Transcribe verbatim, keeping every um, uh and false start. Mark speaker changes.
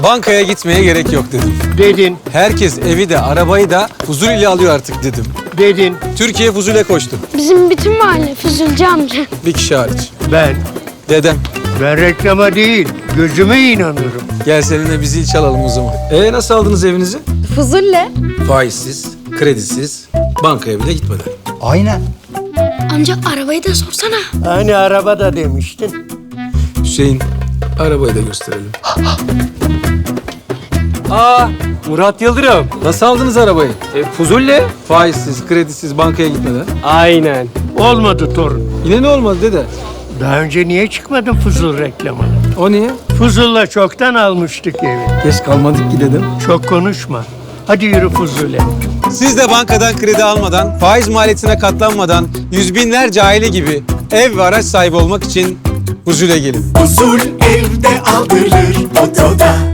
Speaker 1: Bankaya gitmeye gerek yok dedim.
Speaker 2: Dedin,
Speaker 1: Herkes evi de arabayı da Fuzul ile alıyor artık dedim.
Speaker 2: dedin.
Speaker 1: Türkiye Fuzul'e koştu.
Speaker 3: Bizim bütün mahalle Füzulcu amca.
Speaker 1: Bir kişi hariç.
Speaker 2: Ben,
Speaker 1: Dedem.
Speaker 2: ben reklama değil, gözüme inanıyorum.
Speaker 1: Gel seninle bir zil çalalım o zaman. Ee nasıl aldınız evinizi?
Speaker 4: Fuzulle.
Speaker 1: Faizsiz, kredisiz, bankaya bile gitmeden.
Speaker 5: Aynen.
Speaker 3: Amca arabayı da sorsana.
Speaker 2: Hani arabada demiştin.
Speaker 1: Hüseyin, arabayı da gösterelim. Aa,
Speaker 6: Murat Yıldırım.
Speaker 1: nasıl aldınız arabayı?
Speaker 6: E, Fuzulle.
Speaker 1: Faizsiz, kredisiz, bankaya gitmeden.
Speaker 6: Aynen.
Speaker 2: Olmadı torun.
Speaker 1: Yine ne olmadı dede?
Speaker 2: Daha önce niye çıkmadın Fuzul reklamına?
Speaker 1: O niye?
Speaker 2: Fuzul'la çoktan almıştık evi.
Speaker 1: Geç kalmadık ki dedim.
Speaker 2: Çok konuşma. Hadi yürü Fuzul'e.
Speaker 1: Siz de bankadan kredi almadan, faiz maliyetine katlanmadan, yüz binlerce aile gibi ev ve araç sahibi olmak için Fuzul'e gelin.
Speaker 7: Huzur evde aldırır otoda.